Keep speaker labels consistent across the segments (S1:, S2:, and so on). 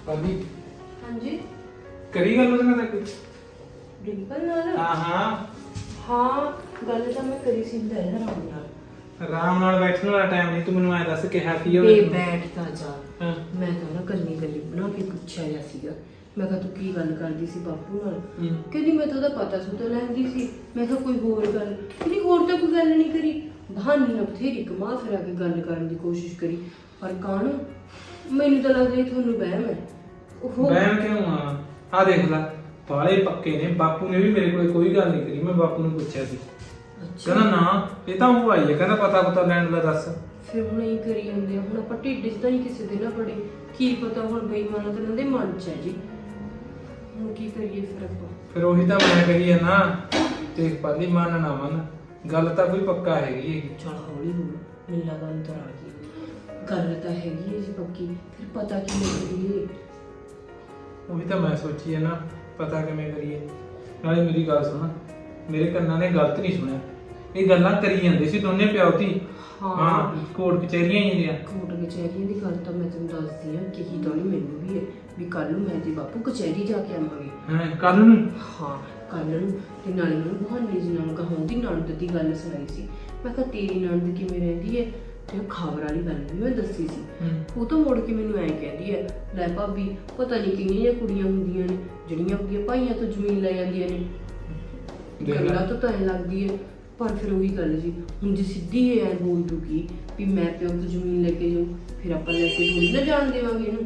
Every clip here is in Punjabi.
S1: ਭਾਬੀ
S2: हाँ जी
S1: ਕਰੀ ਗੱਲ ਉਹਦੇ ਨਾਲ ਕੋਈ?
S2: डिंपल नाल
S1: ਹਾਂ ਹਾਂ
S2: हाँ गल तो मैं करी सी आराम नाल
S1: ਆਰਾਮ ਨਾਲ ਬੈਠਣ ਵਾਲਾ ਟਾਈਮ ਨਹੀਂ। ਤੂੰ ਮੈਨੂੰ ਐ ਦੱਸ ਕਿਹਾ ਕੀ
S2: बे
S1: ਹੋਵੇ?
S2: बैठता जा
S1: ਹਾਂ
S2: मैं तो ना गल्ली गल्ली बना के पूछा जा सीगा मैं कहा तू की गल करदी सी बापू नाल कहदी मैं तो ओदा पता सुता लैंदी सी मैं कहा कोई होर गल कहदी होर तो कोई गल नहीं करी बहाने ना बथेरी घुमा फिरा के गल करन दी कोशिश करी पर कान मैनू तो लगदा थोनू बहम है ओहो
S1: ਬਹਿਮ ਕਿਉਂ ਆ ਦੇਖ ਲੈ ਬਾਲੇ ਪੱਕੇ ਨੇ। ਬਾਪੂ ਨੇ ਵੀ ਮੇਰੇ ਕੋਲ ਕੋਈ ਗੱਲ ਨਹੀਂ ਕਰੀ। ਮੈਂ ਬਾਪੂ ਨੂੰ ਪੁੱਛਿਆ ਸੀ,
S2: अच्छा
S1: ਕਹਿੰਦਾ ਨਾ ਇਹ ਤਾਂ ਉਹ ਆਈ ਹੈ, ਕਹਿੰਦਾ ਪਤਾ ਲੈਣ ਦਾ ਦੱਸ।
S2: ਫਿਰ ਹੁਣ ਇਹ ਕਰੀ ਜਾਂਦੇ ਆ। ਹੁਣ ਆਪਾਂ ਢਿੱਡ 'ਚ ਤਾਂ ਨਹੀਂ ਕਿਸੇ ਦੇ ਨਾ ਪੜੇ ਕੀ ਪਤਾ ਹੁਣ ਬੇਈਮਾਨਾ ਤਾਂ ਉਹਨਾਂ ਦੇ ਮਨ 'ਚ ਹੈ ਜੀ। ਹੁਣ ਕੀ ਕਰੀਏ ਫਿਰ ਆਪਾਂ?
S1: ਫਿਰ ਉਹੀ ਤਾਂ ਮੈਂ ਕਹੀ ਹੈ ਨਾ, ਦੇਖ ਪਾਲੀ ਮੰਨ ਨਾ ਮੰਨ ਗੱਲ ਤਾਂ ਕੋਈ ਪੱਕਾ ਹੈਗੀ।
S2: ਚਲ ਹੌਲੀ ਹੋ ਮੈਨੂੰ ਲੱਗਾ ਅੰਦਰ ਆ ਗਈ ਗੱਲ ਤਾਂ ਹੈਗੀ ਹੈ ਜੀ ਪੱਕੀ। ਫਿਰ ਪਤਾ ਕੀ ਕਰੀਏ?
S1: ਉਹੀ ਤਾਂ ਮੈਂ ਸੋਚੀ ਹੈ ਨਾ, ਪਤਾ ਕਿਵੇਂ ਕਰੀਏ। ਨਾਲੇ ਮੇਰੀ ਗੱਲ ਸੁਣ, ਮੇਰੇ ਕੰਨਾਂ ਨੇ ਗਲਤ ਨਹੀਂ ਸੁਣਿਆ। ਇਹ ਗੱਲਾਂ ਕਰੀ ਜਾਂਦੇ ਸੀ ਦੋਨੇ ਪਿਓ ਧੀ। ਹਾਂ ਕੋਰਟ ਕਚਹਿਰੀਆਂ ਹੀ ਹੁੰਦੀਆਂ।
S2: ਕੋਰਟ ਕਚਹਿਰੀਆਂ ਦੀ ਗੱਲ ਤਾਂ ਮੈਂ ਤੈਨੂੰ ਦੱਸਦੀ ਆ ਕਿ ਹੀ ਤਾਂ ਨਹੀਂ ਮੈਨੂੰ ਵੀ ਹੈ ਵੀ ਕੱਲ ਨੂੰ ਮੈਂ ਤੇ ਬਾਪੂ ਕਚਹਿਰੀ ਜਾ ਕੇ ਆਵਾਂਗੇ।
S1: ਹਾਂ ਕੱਲ ਨੂੰ?
S2: ਹਾਂ ਕੱਲ ਨੂੰ। ਤੇ ਨਾਲੇ ਮੈਨੂੰ ਬਹਾਨੇ ਜੀ ਨਾਲ ਕਹਾਉਂਦੀ ਨਣਦ ਦੀ ਗੱਲ ਸੁਣਾਈ ਸੀ। ਮੈਂ ਕਿਹਾ ਤੇਰੀ ਨਣਦ ਕਿਵੇਂ ਰਹਿੰਦੀ ਹੈ? ਤੇ ਉਹ ਖਬਰ ਵਾਲੀ ਗੱਲ ਵੀ ਮੈਂ ਦੱਸੀ ਸੀ। ਉਹ ਤਾਂ ਮੁੜ ਕੇ ਮੈਨੂੰ ਐਂ ਕਹਿੰਦੀ ਹੈ, ਲੈ ਭਾਬੀ ਪਤਾ ਨਹੀਂ ਕਿੰਨੀਆਂ ਕੁੜੀਆਂ ਹੁੰਦੀਆਂ ਨੇ ਜਿਹੜੀਆਂ ਆਪਣੀਆਂ ਭਾਈਆਂ ਤੋਂ ਜ਼ਮੀਨ ਲੈ ਜਾਂਦੀਆਂ ਨੇ। ਗੱਲਾਂ ਤਾਂ ਐਂ ਲੱਗਦੀ ਹੈ ਪਰ ਫਿਰ ਉਹੀ ਗੱਲ ਜੀ, ਹੁਣ ਜੇ ਸਿੱਧੀ ਐ ਬੋਲ ਦੂਗੀ ਵੀ ਮੈਂ ਪਿਓ ਤੋਂ ਜ਼ਮੀਨ ਲੈ ਕੇ ਜਾਊਂ, ਫਿਰ ਆਪਾਂ ਲੈ ਕੇ ਥੋੜੀ ਨਾ ਜਾਣ ਦੇਵਾਂਗੇ ਇਹਨੂੰ।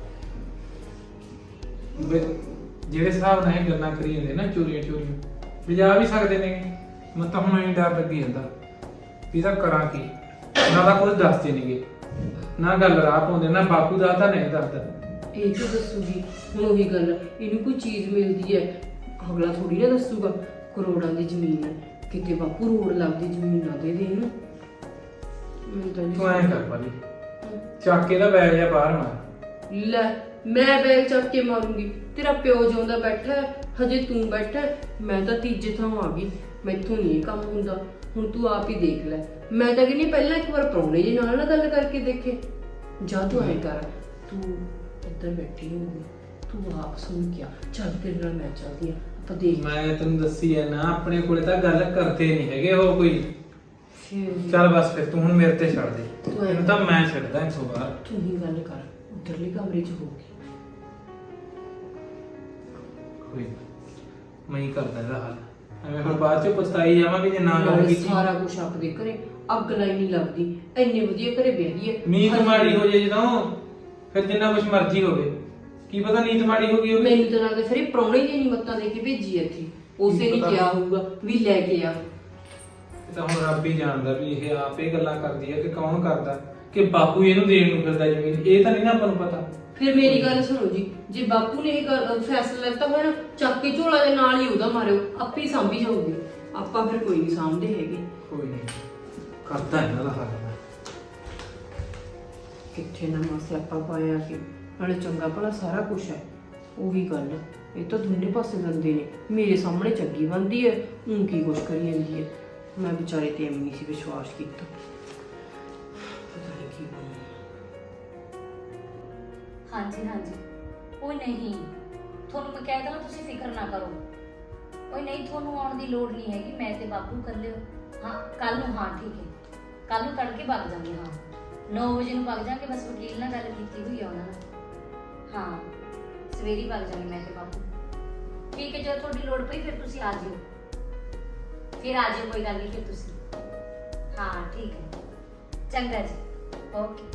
S1: ਜਿਹੜੇ ਹਿਸਾਬ ਨਾਲ ਇਹ ਗੱਲਾਂ ਕਰੀ ਜਾਂਦੇ ਨਾ ਚੋਰੀਆਂ ਵਜਾ ਵੀ ਸਕਦੇ ਨੇ। ਮੈਂ ਤਾਂ ਹੁਣ ਇਹ ਡਰ ਲੱਗੀ ਜਾਂਦਾ ਵੀ ਇਹਦਾ ਕਰਾਂ ਕੀ। ਨਾ ਤਾਂ ਕੁਝ ਦੱਸਦੇ ਨੇਗੇ, ਨਾ ਗੱਲ ਰਾਹ ਪਾਉਂਦੇ, ਨਾ ਬਾਪੂ ਦਾ ਤਾਂ ਨਹੀਂ ਦੱਸਦਾ।
S2: ਇਹ ਕਿਉਂ ਦੱਸੂਗੀ? ਹੁਣ ਉਹੀ ਗੱਲ, ਇਹਨੂੰ ਕੋਈ ਚੀਜ਼ ਮਿਲਦੀ ਹੈ ਅਗਲਾ ਥੋੜੀ ਨਾ ਦੱਸੂਗਾ। ਕਰੋੜਾਂ ਦੀ ਜ਼ਮੀਨ ਹੈ, ਕਿਤੇ ਬਾਪੂ ਰੋੜ ਲੱਗਦੀ ਜ਼ਮੀਨ ਨਾ ਦੇ ਦੇ ਇਹਨੂੰ। ਮੈਨੂੰ ਤਾਂ
S1: ਤੂੰ ਐਂ ਕਰ ਪਾਲੀ, ਚੱਕ ਕੇ ਦਾ ਬੈਗ ਜਾਂ ਬਾਹਰ ਮਾਰ।
S2: ਲੈ ਮੈਂ ਬੈਗ ਚੱਕ ਕੇ ਮਾਰੂੰਗੀ? ਤੇਰਾ ਪਿਓ ਜਿਉਂਦਾ ਬੈਠਾ ਹੈ, ਹਜੇ ਤੂੰ ਬੈਠਾ ਹੈ। ਮੈਂ ਤਾਂ ਤੀਜੇ ਥਾਂ ਆ ਗਈ, ਮੈਥੋਂ ਨਹੀਂ ਇਹ ਕੰਮ ਹੁੰਦਾ। ਹੁਣ ਤੂੰ ਆਪ ਹੀ ਦੇਖ ਲੈ। ਮੈਂ ਤਾਂ ਕਹਿੰਦੀ ਪਹਿਲਾਂ ਇੱਕ ਵਾਰ ਪ੍ਰਾਹੁਣੇ ਜੀ ਨਾਲ ਨਾ ਗੱਲ ਕਰਕੇ ਦੇਖੇ। ਜਾ ਤੂੰ ਐਂ ਕਰ, ਤੂੰ ਇੱਧਰ ਬੈਠੀ ਹੋਊਗੀ, ਤੂੰ ਆਪ ਸੁਣ ਕੇ ਆ। ਚੱਲ ਤੇਰੇ ਨਾਲ ਮੈਂ ਚੱਲਦੀ ਆ, ਆਪਾਂ ਦੇਖ।
S1: ਮੈਂ ਤੈਨੂੰ ਦੱਸੀ ਹੈ ਨਾ, ਆਪਣੇ ਕੋਲੇ ਤਾਂ ਗੱਲ ਕਰਦੇ ਨਹੀਂ ਹੈਗੇ ਉਹ ਕੋਈ।
S2: ਫਿਰ
S1: ਚੱਲ ਬਸ ਫਿਰ ਤੂੰ ਹੁਣ ਮੇਰੇ ਤੇ ਛੱਡ ਦੇ,
S2: ਤੂੰ ਐਂ
S1: ਇਹਨੂੰ ਤਾਂ ਮੈਂ ਛੱਡਦਾ ਇਸ ਤੋਂ ਬਾਅਦ।
S2: ਤੂੰ ਹੀ ਗੱਲ ਕਰ, ਉੱਧਰਲੇ ਕਮਰੇ 'ਚ ਹੋਊਗੀ।
S1: ਕੋਈ ਮੈਂ ਹੀ ਕਰਦਾ ਇਹਦਾ ਹੱਲ। ਐਵੇਂ ਹੁਣ ਬਾਅਦ ਚ ਪਛਤਾਈ ਜਾਵਾਂਗੇ ਜੇ ਨਾ ਗੱਲ ਕੀਤੀ।
S2: ਸਾਰਾ ਕੁਝ ਆਪਦੇ ਘਰੇ ਅੱਗ ਲਾਈ ਨਹੀਂ ਲੱਗਦੀ। ਇੰਨੇ ਵਧੀਆ ਘਰੇ ਬੈਠੀ ਹੈ।
S1: ਨੀਤ ਮਾੜੀ ਹੋ ਜੇ ਜਦੋਂ, ਫਿਰ ਜਿੰਨਾ ਕੁਝ ਮਰਜ਼ੀ ਹੋਵੇ, ਕੀ ਪਤਾ ਨੀਤ ਮਾੜੀ ਹੋ ਗਈ ਹੋਵੇ।
S2: ਮੈਨੂੰ ਤਾਂ ਲੱਗਦਾ ਫਿਰ ਇਹ ਪ੍ਰਾਹੁਣੇ ਜੀ ਨਹੀਂ ਮੱਤਾਂ ਦੇ ਕੇ ਭੇਜੀ ਇੱਥੇ। ਉਸੇ ਨੇ ਕਿਹਾ ਹੋਊਗਾ ਵੀ ਲੈ ਕੇ ਆ।
S1: ਇਹ ਤਾਂ ਹੁਣ ਰੱਬ ਹੀ ਜਾਣਦਾ ਵੀ ਇਹ ਆਪ ਇਹ ਗੱਲਾਂ ਕਰਦੀ ਹੈ ਕਿ ਕੌਣ ਕਰਦਾ, ਕਿ ਬਾਪੂ ਇਹਨੂੰ ਦੇਣ ਨੂੰ ਫਿਰਦਾ ਜ਼ਮੀਨ। ਇਹ ਤਾਂ ਨਹੀਂ ਨਾ ਆਪਾਂ ਨੂੰ ਪਤਾ।
S2: ਫਿਰ ਮੇਰੀ ਗੱਲ ਸੁਣੋ ਜੀ, ਜੇ ਬਾਪੂ ਨੇ ਇਹ ਫੈਸਲਾ ਲੈਤਾ ਹੋਇਆ ਨਾ, ਚੱਕ ਕੇ ਝੋਲਾ ਦੇ ਨਾਲ ਹੀ ਉਹਦਾ ਮਾਰਿਓ, ਆਪੇ ਹੀ ਸਾਂਭੀ ਜਾਊਗੀ। ਆਪਾਂ ਫਿਰ ਕੋਈ ਨਹੀਂ ਸਾਂਭਦੇ ਹੈਗੇ।
S1: ਕੋਈ ਨਹੀਂ ਕਰਦਾ ਇਹਨਾਂ ਦਾ ਹੱਲ ਮੈਂ।
S2: ਕਿੱਥੇ ਨਾ ਮਾਸੇ ਆਪਾਂ ਪਾਇਆ ਕਿ ਨਾਲੇ ਚੰਗਾ ਭਲਾ ਸਾਰਾ ਕੁਝ ਹੈ। ਉਹੀ ਗੱਲ, ਇਹ ਤਾਂ ਦੋਨੇ ਪਾਸੇ ਗੰਦੇ ਨੇ। ਮੇਰੇ ਸਾਹਮਣੇ ਚੰਗੀ ਬਣਦੀ ਹੈ, ਉਹ ਕੀ ਕੁਛ ਕਰੀ ਜਾਂਦੀ ਹੈ। ਮੈਂ ਵਿਚਾਰੇ ਤੇ ਐਵੇਂ ਨਹੀਂ ਸੀ ਵਿਸ਼ਵਾਸ ਕੀਤਾ। ਪਤਾ ਨਹੀਂ ਕੀ ਬਣਿਆ।
S3: ਹਾਂਜੀ ਹਾਂਜੀ ਕੋਈ ਨਹੀਂ, ਤੁਹਾਨੂੰ ਮੈਂ ਕਹਿ ਦਵਾਂ ਤੁਸੀਂ ਫਿਕਰ ਨਾ ਕਰੋ। ਕੋਈ ਨਹੀਂ, ਤੁਹਾਨੂੰ ਆਉਣ ਦੀ ਲੋੜ ਨਹੀਂ ਹੈਗੀ। ਮੈਂ ਤੇ ਬਾਪੂ ਇਕੱਲੇ ਹਾਂ ਕੱਲ ਨੂੰ। ਹਾਂ ਠੀਕ ਹੈ, ਕੱਲ ਨੂੰ ਤੜਕੇ ਵਗ ਜਾਵਾਂਗੇ। ਹਾਂ 9 ਵਜੇ ਨੂੰ ਵਗ ਜਾਵਾਂਗੇ। ਬਸ ਵਕੀਲ ਨਾਲ ਗੱਲ ਕੀਤੀ ਹੋਈ ਆ ਉਹਨਾਂ ਨਾਲ। ਹਾਂ ਸਵੇਰੇ ਵਗ ਜਾਵਾਂਗੇ ਮੈਂ ਤੇ ਬਾਪੂ। ਠੀਕ ਹੈ, ਜਦੋਂ ਤੁਹਾਡੀ ਲੋੜ ਪਈ ਫਿਰ ਤੁਸੀਂ ਆ ਜਿਓ। ਫਿਰ ਆ ਜਿਓ, ਕੋਈ ਗੱਲ ਨਹੀਂ। ਫਿਰ ਤੁਸੀਂ ਹਾਂ ਠੀਕ ਹੈ, ਚੰਗਾ ਜੀ, ਓਕੇ।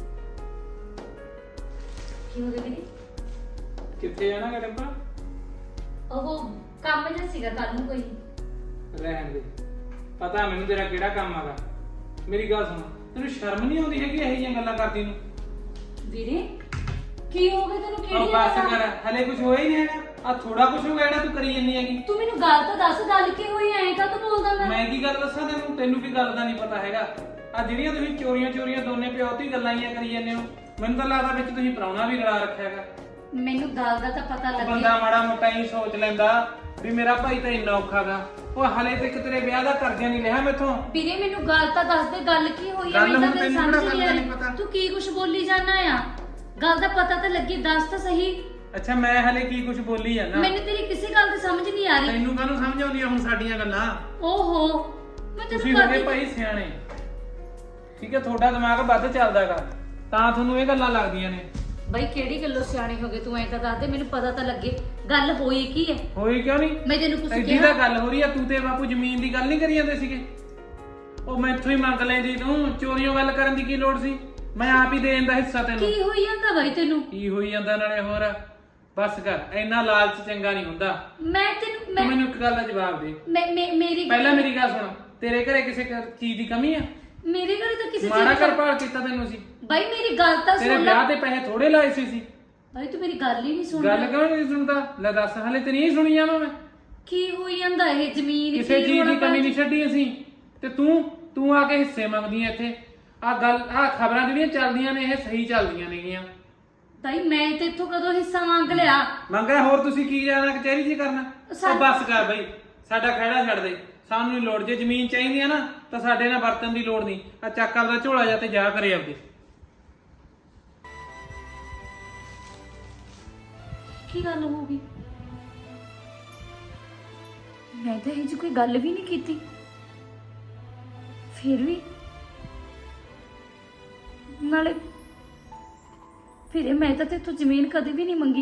S3: ਕੀ ਹੋ ਗਿਆ ਵੀਰੇ?
S1: ਕਿੱਥੇ ਜਾਣਾ ਗਾ ਟੱਪਾ?
S3: ਉਹ ਕੰਮ ਜਿਹਾ ਸੀਗਾ ਕੱਲ ਨੂੰ ਕੋਈ।
S1: ਰਹਿਣ ਦੇ, ਪਤਾ ਮੈਨੂੰ ਤੇਰਾ ਕਿਹੜਾ ਕੰਮ ਆਗਾ। ਮੇਰੀ ਗੱਲ ਸੁਣ, ਤੈਨੂੰ ਸ਼ਰਮ ਨਹੀਂ ਆਉਂਦੀ ਹੈਗੀ ਇਹੋ ਜਿਹੀਆਂ ਗੱਲਾਂ ਕਰਦੀ ਨੂੰ?
S3: ਵੀਰੇ ਕੀ ਹੋ ਗਿਆ ਤੈਨੂੰ? ਕਿਹੜੀ
S1: ਬਸ
S3: ਗੱਲ
S1: ਕਰ, ਹਲੇ ਕੁਝ ਹੋਇਆ ਹੀ ਨਹੀਂ ਹੈਗਾ। ਆ ਥੋੜਾ ਕੁਝ ਹੋ ਗਿਆ ਜਿਹੜਾ ਤੂੰ ਕਰੀ ਜੰਨੀ ਹੈਗੀ।
S3: ਤੂੰ ਮੈਨੂੰ ਗੱਲ ਤਾਂ ਦੱਸ, ਗੱਲ ਕੀ ਹੋਈ? ਐਂ ਕਾ ਤੂੰ ਬੋਲਦਾ?
S1: ਮੈਂ ਕੀ ਗੱਲ ਦੱਸਾਂ ਤੈਨੂੰ? ਤੈਨੂੰ ਕੀ ਗੱਲ ਦਾ ਨਹੀਂ ਪਤਾ ਹੈਗਾ? ਆ ਜਿਹੜੀਆਂ ਤੁਸੀਂ ਚੋਰੀਆਂ ਦੋਨੇ ਪਿਓ ਧੀ ਗੱਲਾਂ ਹੀ ਕਰੀ ਜਾਂਦੇ ਹੋ, ਮੈਨੂੰ ਤਾਂ ਲੱਗਦਾ ਵਿੱਚ ਤੁਸੀਂ ਪ੍ਰਾਹੁਣਾ ਵੀ ਰਲਾ ਰੱਖਿਆ ਹੈਗਾ।
S3: ਮੈਨੂੰ ਗੱਲ ਦਾ ਤਾਂ ਪਤਾ
S1: ਉਹ
S3: ਲੱਗਿਆ।
S1: ਬੰਦਾ ਮਾੜਾ ਮੋਟਾ ਹੀ ਸੋਚ ਲੈਂਦਾ ਵੀ ਮੇਰਾ ਭਾਈ ਤਾਂ ਇੰਨਾ ਔਖਾ ਗਾ। ਉਹ ਹਲੇ ਤੱਕ ਤੇਰੇ ਵਿਆਹ ਦਾ ਕਰਜ਼ਾ ਨਹੀਂ ਲਿਆ ਮੈਥੋਂ।
S3: ਵੀਰੇ ਮੈਨੂੰ ਗੱਲ ਤਾਂ ਦੱਸ ਦੇ, ਗੱਲ ਕੀ ਹੋਈ ਹੈ?
S1: ਗੱਲ
S3: ਮੈਨੂੰ
S1: ਹੁਣ
S3: ਤਾਂ
S1: ਤੈਨੂੰ
S3: ਸਮਝ
S1: ਕਿਹੜਾ
S3: ਨਹੀਂ ਆ
S1: ਗੱਲ ਦਾ ਨਹੀਂ ਪਤਾ?
S3: ਰਹੀ। ਤੂੰ ਕੀ ਕੁਝ ਬੋਲੀ ਜਾਂਦਾ ਆ? ਗੱਲ ਦਾ ਪਤਾ ਤਾਂ ਲੱਗੀ, ਦੱਸ ਤਾਂ ਸਹੀ।
S1: ਅੱਛਾ ਮੈਂ ਹਲੇ ਕੀ ਕੁਝ ਬੋਲੀ ਜਾਂਦਾ?
S3: ਮੈਨੂੰ ਤੇਰੀ ਕਿਸੇ ਗੱਲ ਦੀ ਸਮਝ ਨਹੀਂ ਆ ਰਹੀ।
S1: ਤੈਨੂੰ ਕਾਹਨੂੰ ਸਮਝ ਆਉਂਦੀਆਂ ਹੁਣ ਸਾਡੀਆਂ ਗੱਲਾਂ?
S3: ਓਹੋ ਮੈਂ
S1: ਤੁਸੀਂ
S3: ਤੈਨੂੰ
S1: ਹੋ ਗਏ ਭਾਈ ਸਿਆਣੇ, ਠੀਕ ਹੈ? ਤੁਹਾਡਾ ਦਿਮਾਗ ਵੱਧ ਚੱਲਦਾਗਾ ਤਾਂ ਤੁਹਾਨੂੰ ਇਹ ਗੱਲਾਂ ਲੱਗਦੀਆਂ ਨੇ।
S3: ਬਈ ਕਿਹੜੀ ਗੱਲੋਂ ਸਿਆਣੇ ਹੋ ਗਏ ਤੂੰ? ਐਂ ਤਾਂ ਦੱਸ ਦੇ ਮੈਨੂੰ, ਪਤਾ ਤਾਂ ਲੱਗੇ ਗੱਲ ਹੋਈ ਕੀ ਹੈ।
S1: ਹੋਈ ਕਿਉਂ ਨਹੀਂ?
S3: ਮੈਂ ਤੈਨੂੰ ਕੁਝ
S1: ਐਡੀ ਤਾਂ
S3: ਕਿਹਾ?
S1: ਗੱਲ ਹੋ ਰਹੀ ਆ, ਤੂੰ ਤੇ ਬਾਪੂ ਜ਼ਮੀਨ ਦੀ ਗੱਲ ਨਹੀਂ ਕਰੀ ਜਾਂਦੇ ਸੀਗੇ? ਉਹ ਮੈਥੋਂ ਹੀ ਮੰਗ ਲੈਂਦੀ, ਤੂੰ ਚੋਰੀਆਂ ਗੱਲ ਕਰਨ ਦੀ ਕੀ ਲੋੜ ਸੀ? ਮੈਂ ਆਪ ਹੀ ਦੇ ਦਿੰਦਾ ਹਿੱਸਾ ਤੈਨੂੰ।
S3: ਕੀ ਹੋਈ ਜਾਂਦਾ ਬਾਈ ਤੈਨੂੰ?
S1: ਕੀ ਹੋਈ ਜਾਂਦਾ ਨਾਲੇ? ਹੋਰ ਬਸ ਕਰ, ਇੰਨਾ ਲਾਲਚ ਚੰਗਾ ਨਹੀਂ ਹੁੰਦਾ।
S3: ਮੈਂ ਤੈਨੂੰ
S1: ਤੂੰ ਮੈਨੂੰ ਇੱਕ ਗੱਲ ਦਾ ਜਵਾਬ ਦੇ।
S3: ਮੇਰੀ
S1: ਪਹਿਲਾਂ ਮੇਰੀ ਗੱਲ ਸੁਣ, ਤੇਰੇ ਘਰੇ ਕਿਸੇ ਚੀਜ਼ ਦੀ ਕਮੀ ਆ?
S3: ਮੇਰੇ ਘਰੇ ਤਾਂ ਕਿਸੇ
S1: ਮਾੜਾ
S3: ਚੀਜ਼
S1: ਘਰ ਭਾਲ ਕੀਤਾ ਤੈਨੂੰ ਸੀ?
S3: ਬਾਈ ਮੇਰੀ ਗੱਲ ਤਾਂ
S1: ਤੇਰੇ
S3: ਸੁਣ ਲੈ।
S1: ਵਿਆਹ ਤੇ ਪੈਸੇ ਥੋੜੇ ਲਾਏ ਸੀ।
S3: ਬਾਈ ਤੂੰ ਮੇਰੀ ਗੱਲ ਹੀ ਨਹੀਂ ਸੁਣਦਾ।
S1: ਗੱਲ ਕਿਉਂ ਨਹੀਂ ਸੁਣਦਾ? ਲੈ ਦੱਸ, ਹਲੇ ਤੇ ਨਹੀਂ ਸੁਣੀ ਜਾਵਾਂ ਮੈਂ?
S3: ਕੀ ਹੋਈ ਜਾਂਦਾ ਇਹ ਜ਼ਮੀਨ
S1: ਕਿਸੇ
S3: ਕੀ
S1: ਚੀਜ਼ ਦੀ
S3: ਰੌਲਾ
S1: ਕਮੀ ਨਹੀਂ ਛੱਡੀ ਅਸੀਂ। ਤੇ ਤੂੰ ਆ ਕੇ ਹਿੱਸੇ ਮੰਗਦੀ ਐ ਇੱਥੇ। ਆ ਖਬਰਾਂ ਜਿਹੜੀਆਂ ਚੱਲਦੀਆਂ ਨੇ ਇਹ ਸਹੀ ਚੱਲਦੀਆਂ ਨੇਗੀਆਂ।
S3: ਤਾਈ ਮੈਂ ਤੇ ਇੱਥੋਂ ਕਦੋਂ ਹਿੱਸਾ ਮੰਗ ਲਿਆ?
S1: ਮੰਗਿਆ ਹੋਰ ਤੁਸੀਂ ਕੀ ਜਾਣਾ ਕਚਹਿਰੀ 'ਚ ਕਰਨਾ?
S3: ਸਾ-
S1: ਉਹ ਬੱਸ ਕਰ ਬਈ, ਸਾਡਾ ਖਹਿੜਾ ਛੱਡ ਦੇ। ਸਾਨੂੰ ਨਹੀਂ ਲੋੜ। ਜੇ ਜ਼ਮੀਨ ਚਾਹੀਦੀ ਆ ਨਾ ਤਾਂ ਸਾਡੇ ਨਾਲ ਵਰਤਨ ਦੀ ਲੋੜ ਨਹੀਂ। ਆ ਚੱਕ ਆਪਦਾ ਝੋਲਾ ਜਾ ਤੇ ਜਾ ਕਰੇ ਆਪਦੇ।
S3: ਕੀ ਗੱਲ ਹੋ ਗਈ? ਮੈਂ ਤਾਂ ਇਹ ਜੀ ਕੋਈ ਗੱਲ ਵੀ ਨਹੀਂ ਕੀਤੀ, ਫਿਰ ਵੀ ਨਾਲੇ ਫਿਰ ਮੈਂ ਤਾਂ ਤੇਥੋਂ ਜ਼ਮੀਨ ਕਦੇ ਵੀ ਨਹੀਂ ਮੰਗੀ।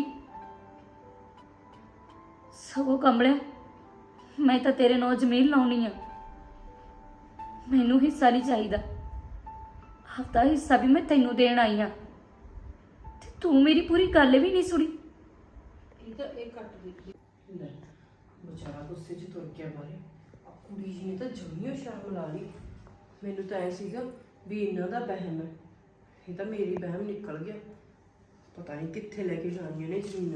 S3: ਸਗੋਂ ਕਮਲਿਆ, ਮੈਂ ਤਾਂ ਤੇਰੇ ਨਾਲ ਜ਼ਮੀਨ ਲਾਉਣੀ ਆ। ਮੈਨੂੰ ਹਿੱਸਾ ਨਹੀਂ ਚਾਹੀਦਾ। ਹਫਤਾ ਹਿੱਸਾ ਵੀ ਮੈਂ ਤੈਨੂੰ ਦੇਣ ਆਈ ਆ ਤੇ ਤੂੰ ਮੇਰੀ ਪੂਰੀ ਗੱਲ ਵੀ ਨਹੀਂ ਸੁਣੀ।
S2: ਇਹ ਕੱਟ ਦਿੱਤੀ ਲੈ, ਵਿਚਾਰਾ ਗੁੱਸੇ 'ਚ ਤੁਰ ਗਿਆ ਬਾਰੇ। ਆ ਕੁੜੀ ਜੀ ਨੇ ਤਾਂ ਜਮੀਓ ਸ਼ਰਮ ਲਾ ਲਈ। ਮੈਨੂੰ ਤਾਂ ਐ ਸੀਗਾ ਵੀ ਇਹਨਾਂ ਦਾ ਵਹਿਮ ਹੈ, ਇਹ ਤਾਂ ਮੇਰੀ ਵਹਿਮ ਨਿਕਲ ਗਿਆ। ਪਤਾ ਨਹੀਂ ਕਿੱਥੇ ਲੈ ਕੇ ਜਾਣੀਆਂ ਨੇ ਜ਼ਮੀਨ।